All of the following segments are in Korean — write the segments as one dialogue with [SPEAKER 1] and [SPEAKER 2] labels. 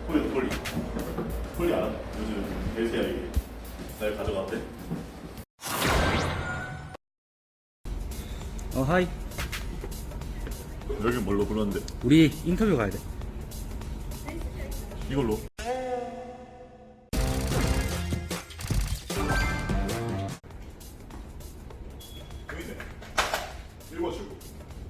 [SPEAKER 1] 폴리다 폴리. 폴리 알아? 요즘 LCI 날 가져갔대.
[SPEAKER 2] 하이.
[SPEAKER 1] 여기 뭘로 불렀는데?
[SPEAKER 2] 우리 인터뷰 가야 돼.
[SPEAKER 1] 이걸로. 여기네. 읽어주고.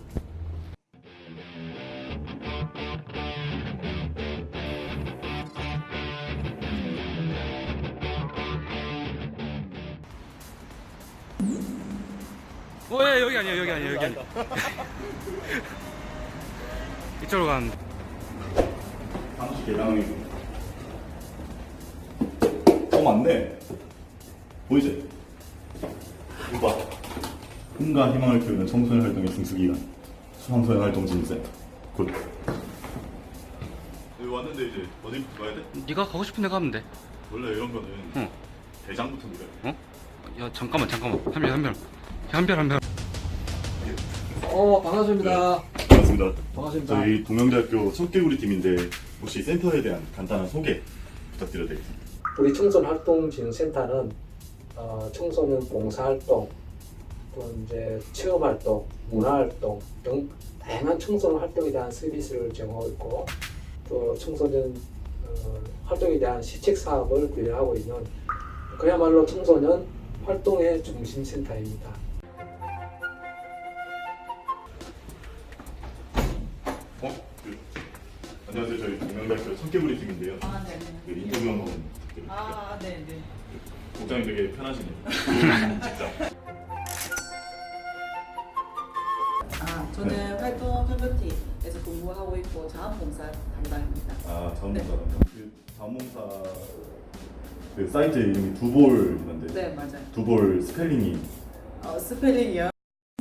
[SPEAKER 2] 야, 여기 아니야, 여기 아니야, 여기 아니야. 이쪽으로 가면.
[SPEAKER 1] 방식 개량이고. 맞네. 보이지? 이거 봐. 꿈과 희망을 키우는 청소년 활동의 중수기관. 수상소년 활동 진세. 굿. 여기 왔는데 이제 어디 가야 돼?
[SPEAKER 2] 네가 가고 싶은 데 가면 돼.
[SPEAKER 1] 원래 이런 거는
[SPEAKER 2] 응.
[SPEAKER 1] 대장부터 밀어야 돼.
[SPEAKER 2] 야, 잠깐만. 한별.
[SPEAKER 3] 반갑습니다.
[SPEAKER 1] 반갑습니다.
[SPEAKER 3] 반갑습니다.
[SPEAKER 1] 저희 동명대학교 청개구리 팀인데 혹시 센터에 대한 간단한 소개 부탁드려도 되겠습니다.
[SPEAKER 3] 우리 청소년활동진흥센터는 청소년 봉사활동, 또 이제 체험활동, 문화활동 등 다양한 청소년 활동에 대한 서비스를 제공하고 있고, 또 청소년 활동에 대한 시책 사업을 관리하고 있는 그야말로 청소년 활동의 중심센터입니다.
[SPEAKER 1] 안녕하세요. 저희 동명대학교 청개구리 팀인데요.
[SPEAKER 4] 네네.
[SPEAKER 1] 그 인터뷰 한번 부탁드립니다.
[SPEAKER 4] 네네.
[SPEAKER 1] 복장이 되게 편하시네요. 직장.
[SPEAKER 4] 저는 활동 협력팀에서 근무하고 있고 자원봉사 담당입니다.
[SPEAKER 1] 자원봉사 담당. 그 자원봉사 그 사이트 이름이 두볼이던데.
[SPEAKER 4] 네, 맞아요.
[SPEAKER 1] 두볼 스펠링이
[SPEAKER 4] 스펠링이요?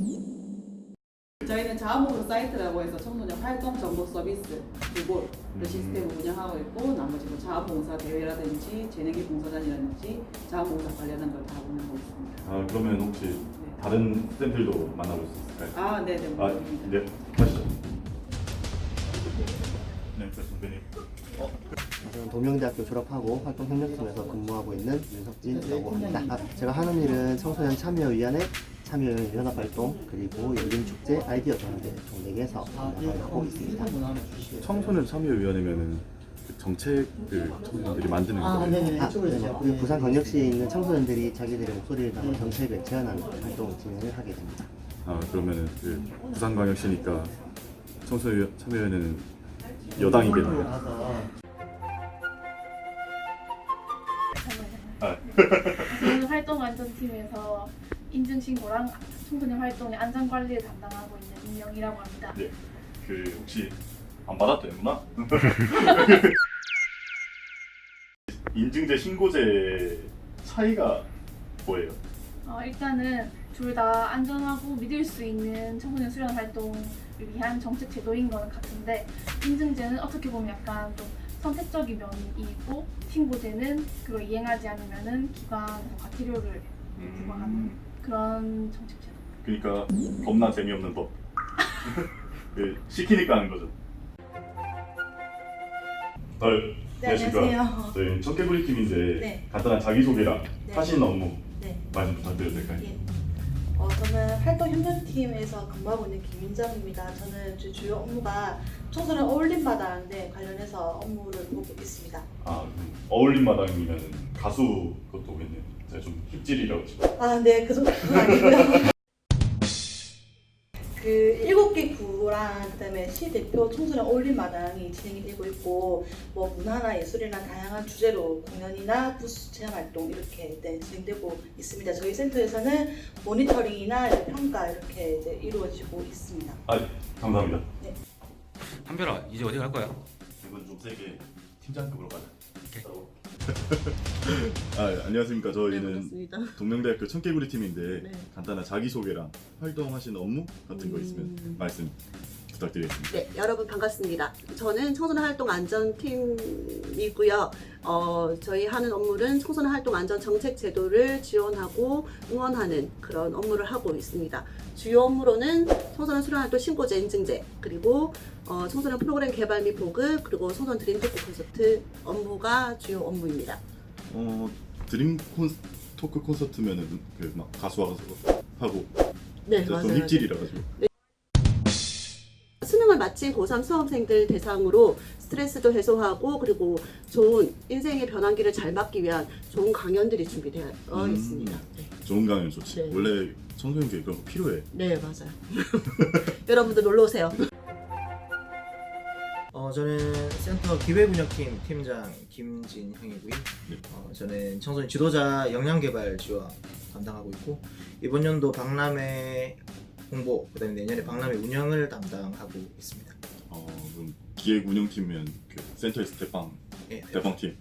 [SPEAKER 4] 저희는 자원봉사 사이트라고 해서 청소년 활동 정보 서비스 두볼 시스템을 운영하고 있고, 나머지 뭐 자원봉사 대회라든지 재능기 봉사단이라든지 자원봉사 관련한 걸 다 운영하고 있습니다.
[SPEAKER 1] 그러면 혹시 다른 쌤들도 만나볼 수 있을까요?
[SPEAKER 4] 네네.
[SPEAKER 1] 네. 가시죠. 네, 선배님.
[SPEAKER 5] 저는 동명대학교 졸업하고 활동협력팀에서 근무하고 있는 윤석진이라고 합니다. 제가 하는 일은 청소년 참여위원회, 참여연합활동, 그리고 열린축제, 아이디어 전대 총 4개에서 운영을 하고 있습니다.
[SPEAKER 1] 청소년 참여위원회면은 그 정책을 청소년들이 만드는 거예요.
[SPEAKER 5] 네네. 우리 부산광역시에 있는 청소년들이 자기들의 목소리를 담아 정책을 제안하는 활동을 진행을 하게 됩니다.
[SPEAKER 1] 그러면은 그 부산광역시니까 청소년 참여위원회는 여당이겠네요.
[SPEAKER 6] 저는 활동안전팀에서 인증신고랑 청소년 활동의 안전관리를 담당하고 있는 임영이라고 합니다.
[SPEAKER 1] 네. 그 혹시 안 받았대는구나? 인증제, 신고제 차이가 뭐예요?
[SPEAKER 6] 일단은 둘 다 안전하고 믿을 수 있는 청소년 수련 활동을 위한 정책 제도인 거는 같은데, 인증제는 어떻게 보면 약간 좀 선택적인 면이 있고, 신고제는 그걸 이행하지 않으면은 기관에서 과태료를 부과하는 그런 정책 제도.
[SPEAKER 1] 그러니까 겁나 재미없는 법. 그 시키니까 하는 거죠.
[SPEAKER 4] 네,
[SPEAKER 1] 안녕하십니까.
[SPEAKER 4] 안녕하세요.
[SPEAKER 1] 저희 청개구리 팀인데
[SPEAKER 4] 네.
[SPEAKER 1] 간단한 자기소개랑
[SPEAKER 4] 네.
[SPEAKER 1] 하시는 업무
[SPEAKER 4] 네.
[SPEAKER 1] 말씀 부탁드려도 될까요?
[SPEAKER 4] 예. 저는 활동협력팀에서 근무하고 있는 김민정입니다. 저는 주요 업무가 청소년 어울림마당에 관련해서 업무를 보고 있습니다.
[SPEAKER 1] 어울림 마당이면 가수 그것도 오겠네요. 제가 좀 힙질이라고 지금.
[SPEAKER 4] 네, 그 정도는 아니고요. 그 7개 구랑 그다음에 시 대표 청소년 어울림마당이 진행이 되고 있고, 뭐 문화나 예술이나 다양한 주제로 공연이나 부스 체험 활동 이렇게 진행되고 있습니다. 저희 센터에서는 모니터링이나 평가 이렇게 이제 이루어지고 있습니다.
[SPEAKER 1] 감사합니다.
[SPEAKER 4] 네.
[SPEAKER 2] 한별아, 이제 어디 갈 거야?
[SPEAKER 1] 이건 좀 세게 팀장급으로 가자.
[SPEAKER 2] 오케이.
[SPEAKER 1] 안녕하십니까. 저희는
[SPEAKER 4] 반갑습니다.
[SPEAKER 1] 동명대학교 청개구리 팀인데
[SPEAKER 4] 네.
[SPEAKER 1] 간단한 자기소개랑 활동하시는 업무 같은 거 있으면 말씀 부탁드리겠습니다.
[SPEAKER 7] 네, 여러분 반갑습니다. 저는 청소년 활동 안전팀이고요. 저희 하는 업무는 청소년 활동 안전 정책 제도를 지원하고 응원하는 그런 업무를 하고 있습니다. 주요 업무로는 청소년 수련 활동 신고제 인증제, 그리고 청소년 프로그램 개발 및 보급, 그리고 청소년 드림 토크 콘서트 업무가 주요 업무입니다.
[SPEAKER 1] 드림 토크 콘서트면은 그 막 가수 와서 하고
[SPEAKER 7] 네,
[SPEAKER 1] 좀
[SPEAKER 7] 맞아요.
[SPEAKER 1] 힙질이라 가지고.
[SPEAKER 7] 수능을 마친 고3 수험생들 대상으로 스트레스도 해소하고 그리고 좋은 인생의 변환기를 잘 맞기 위한 좋은 강연들이 준비되어 있습니다. 네.
[SPEAKER 1] 좋은 강연 좋지.
[SPEAKER 7] 네.
[SPEAKER 1] 원래 청소년 교육 그런 거 필요해.
[SPEAKER 7] 네, 맞아요. 여러분들 놀러 오세요.
[SPEAKER 5] 저는 센터 기획운영팀 팀장 김진형이고요.
[SPEAKER 1] 네.
[SPEAKER 5] 저는 청소년 지도자 역량개발 지원 담당하고 있고 이번 연도 박람회 홍보, 그다음에 내년에 박람회 운영을 담당하고 있습니다.
[SPEAKER 1] 그럼 기획 운영팀이면 그 센터에서
[SPEAKER 5] 예.
[SPEAKER 1] 대빵팀.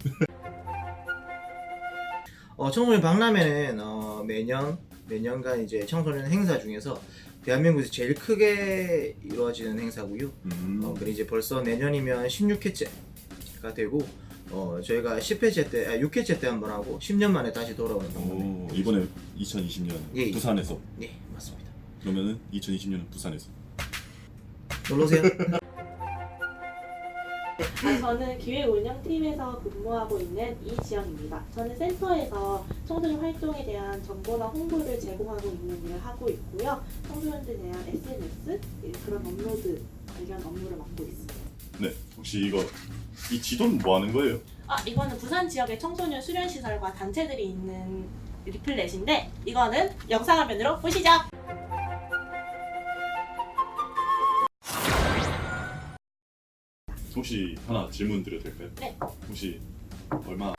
[SPEAKER 5] 청소년 박람회는 매년간 이제 청소년 행사 중에서 대한민국에서 제일 크게 이루어지는 행사고요. 그리고 이제 벌써 내년이면 16회째가 되고 저희가 10회째 때, 6회째 때 한번 하고 10년 만에 다시 돌아오는 박람회.
[SPEAKER 1] 이번에 2020년
[SPEAKER 5] 예.
[SPEAKER 1] 부산에서.
[SPEAKER 5] 네, 맞습니다.
[SPEAKER 1] 그러면은 2020년은 부산에서.
[SPEAKER 5] 놀러 오세요.
[SPEAKER 8] 저는 기획운영팀에서 근무하고 있는 이지영입니다. 저는 센터에서 청소년 활동에 대한 정보나 홍보를 제공하고 있는 일을 하고 있고요. 청소년들에 대한 SNS, 그런 업로드 관련 업무를 맡고 있습니다.
[SPEAKER 1] 네. 혹시 이 지도는 뭐 하는 거예요?
[SPEAKER 8] 이거는 부산 지역의 청소년 수련시설과 단체들이 있는 리플렛인데 이거는 영상 화면으로 보시죠.
[SPEAKER 1] 혹시 하나 질문 드려도 될까요?
[SPEAKER 8] 네.
[SPEAKER 1] 혹시 얼마